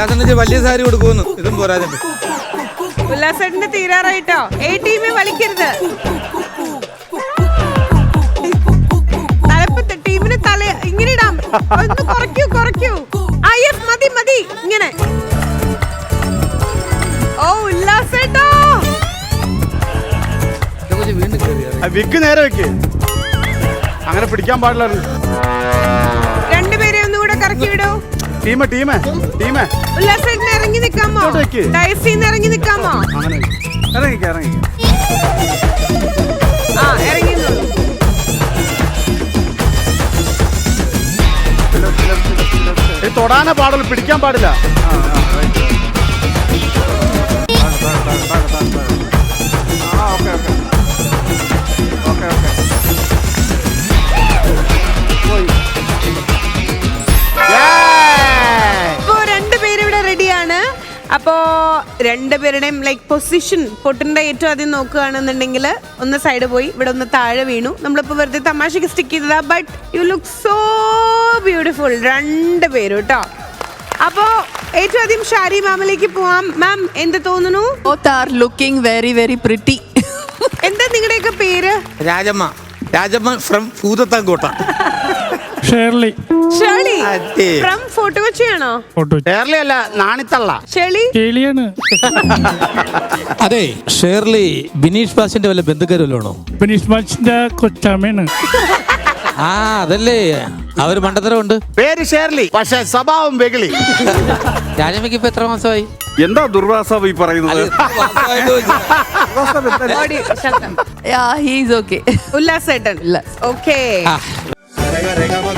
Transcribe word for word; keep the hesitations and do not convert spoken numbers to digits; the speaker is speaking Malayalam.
ഉല്ലാസന്റെ വലിയ സാരി കൊടുക്കുന്നു. ഇതും പോരാതെ ഉല്ലാസേട്ടന്റെ തീരാറായിട്ടോ. എ ടീമെ വലിക്കരുത്. തലപ്പത്ത് ടീമിന് തല ഇങ്ങനെ ഇടാം. ഒന്ന് കുറയ്ക്കൂ കുറയ്ക്കൂ. അയ്യസ് മതി മതി ഇങ്ങനെ. ഓ ഉല്ലാസേട്ടോ വിക്ക് നേരെ വെക്ക്. അങ്ങനെ പിടിക്കാൻ പാടില്ലായിരുന്നു. രണ്ടുപേരെ ഒന്നുകൂടെ കറക്കി വിടൂ. ടീമ ടീമ ടീമ ഉല്ലാസേട്ടന് ഇറങ്ങി നിക്കാമോ? ഡയസിന്ന് ഇറങ്ങി നിക്കാമോ? അങ്ങനെ ഇറങ്ങിക്ക ഇറങ്ങിക്ക. ആ ഇറങ്ങി. തൊടാനേ പാടുള്ളൂ, പിടിക്കാൻ പാടില്ല. അപ്പോ രണ്ടുപേരുടെയും ലൈക്ക് പൊസിഷൻ പൊട്ടിന്റെ ഏറ്റവും ആദ്യം നോക്കുകയാണെന്നുണ്ടെങ്കിൽ ഒന്ന് സൈഡ് പോയി, ഇവിടെ ഒന്ന് താഴെ വീണു. നമ്മളിപ്പോ വെറുതെ തമാശക്ക് സ്റ്റിക്ക് ചെയ്തതാ. But you look so beautiful രണ്ടുപേരും കേട്ടോ. അപ്പോ ഏറ്റവും ആദ്യം ഷാരി മാമിലേക്ക് പോവാം. മാം എന്ത് തോന്നുന്നു? Both are looking very very pretty. എന്താ നിങ്ങളുടെയൊക്കെ പേര്? Rajamma. Rajamma from Bhoothathankotta. Shirley. Shirley from Fort കൊച്ചിയാണോ? ഷേർലി അല്ല, നാണിത്തള്ള. ഷേർലി ഷേർലിയാണ്. അതെ, ഷേർലി ബിനീഷ് ബാസിന്റെ വല്ല ബന്ധുക്കാരല്ലോ? ബിനീഷ് ബാസിന്റെ കൊച്ചാമയാണ്. ആ അതല്ലേ, അവര് മണ്ടത്തരമുണ്ട്. പേര് ഷേർലി, പക്ഷെ സ്വഭാവം വെകിളി. രാജമ്മയ്ക്ക് ഇപ്പൊ എത്ര മാസമായി? എന്താ ദുർവാസാവ് ഈ പറയുന്നത്? Yeah, he is okay. ഉല്ലാസേട്ടൻ. ഓക്കേ.